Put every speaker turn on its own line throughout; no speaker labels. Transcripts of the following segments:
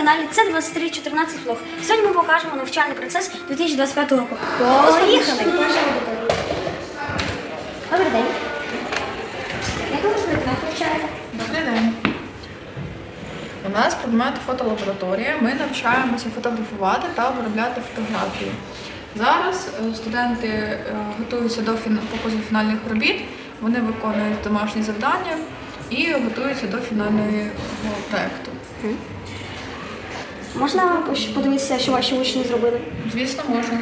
каналі це 2314 влог. Сьогодні ми покажемо навчальний процес 2025 року. Поїхали! Добрий день. Як ви навчаєте?
Добрий день. У нас предмет фотолабораторія. Ми навчаємося фотографувати та обробляти фотографії. Зараз студенти готуються до показу фінальних робіт, вони виконують домашні завдання і готуються до фінального проєкту.
Можна подивитися, що ваші учні зробили?
Звісно, можна.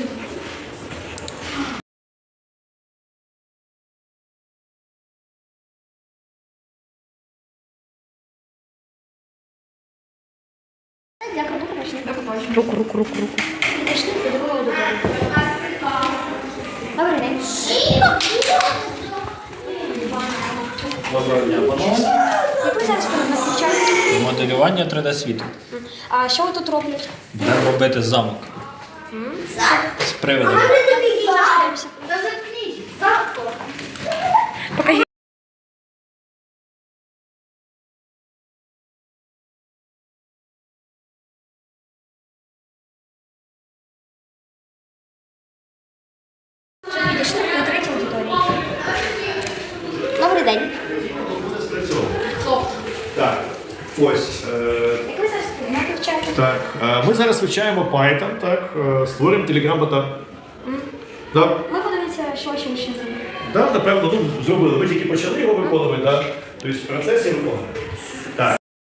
Дякую, до побачення.
До побачення.
Руку.
Підійшли до другого аудиторії. Добрий день.
Доброго дня, панове.
Як ви зараз навчаєте?
Моделювання 3D-світу.
А що ви тут робите?
Будемо робити замок. З привидом.
Підійшли до третьої аудиторії. Добрий день.
Так, ось.
Як ви зараз навчаєте?
Так, ми зараз вивчаємо Python, так, створюємо Telegram-бота. Так,
Ми подивимося, що ваші учні зробили.
да, напевно, зробили. Ми тільки почали його виконувати, так. Тобто в процесі виконуємо. Так.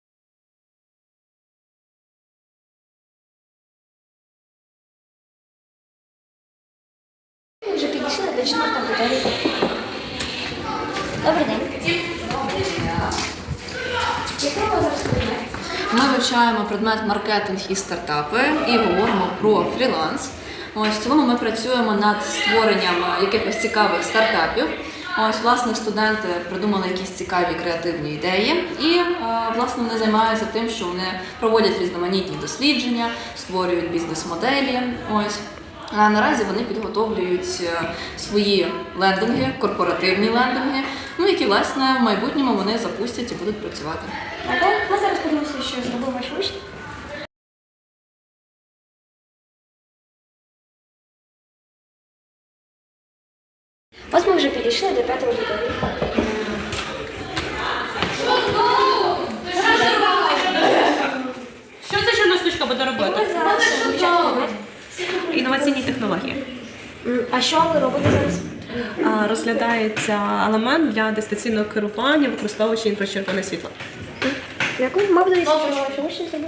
Ми вже підійшли до четвертої аудиторії. Добрий день. Який у вас зараз предмет?
Ми вивчаємо предмет маркетинг і стартапи і говоримо про фріланс. Ось в цілому ми працюємо над створенням якихось цікавих стартапів. Ось, власне, студенти придумали якісь цікаві креативні ідеї, і власне вони займаються тим, що вони проводять різноманітні дослідження, створюють бізнес-моделі. Ось. А наразі вони підготовлюють свої лендинги, корпоративні лендинги, які, власне, в майбутньому вони запустять і будуть працювати.
Ми зараз подивимося, що зробив ваш учень. Ось ми вже підійшли до п'ятої аудиторії.
Що ця чорна штучка буде робити?
Ми зараз вивчаємо предмет.
Інноваційні технології.
А що ви робите зараз?
Розглядається елемент для дистанційного керування, використовуючи інфрачервоне світло.
Дякую. Ми подивимося, що ваші учні зробили.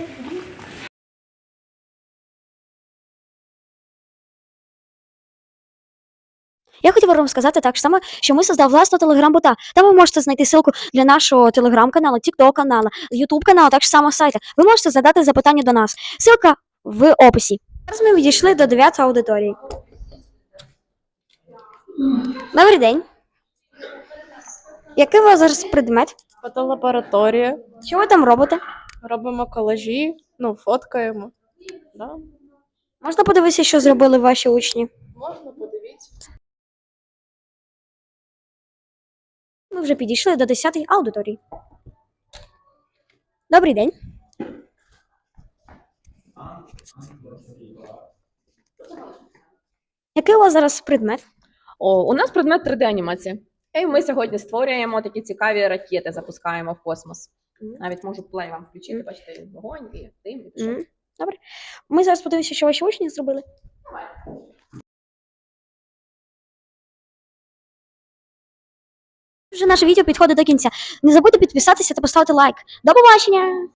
Я хотіла вам сказати так само, що ми создав власного телеграм-бота. Там ви можете знайти ссылку для нашого телеграм-каналу, тікток-каналу, ютуб-каналу, так само сайта. Ви можете задати запитання до нас. Ссылка в описі. Зараз ми відійшли до 9 аудиторії. Добрий день. Який у вас зараз предмет?
Фотолабораторія.
Що ви там робите?
Робимо колажі, фоткаємо. Да?
Можна подивитися, що зробили ваші учні?
Можна подивитися.
Ми вже підійшли до 10-ї аудиторії. Добрий день. Який у вас зараз предмет?
У нас предмет 3D-анімація. І ми сьогодні створюємо такі цікаві ракети, запускаємо в космос. Навіть можу плей вам включити, бачите, вогонь і дим, і пішов.
Добре. Ми зараз подивимося, що ваші учні зробили. Вже наше відео підходить до кінця. Не забудьте підписатися та поставити лайк. До побачення!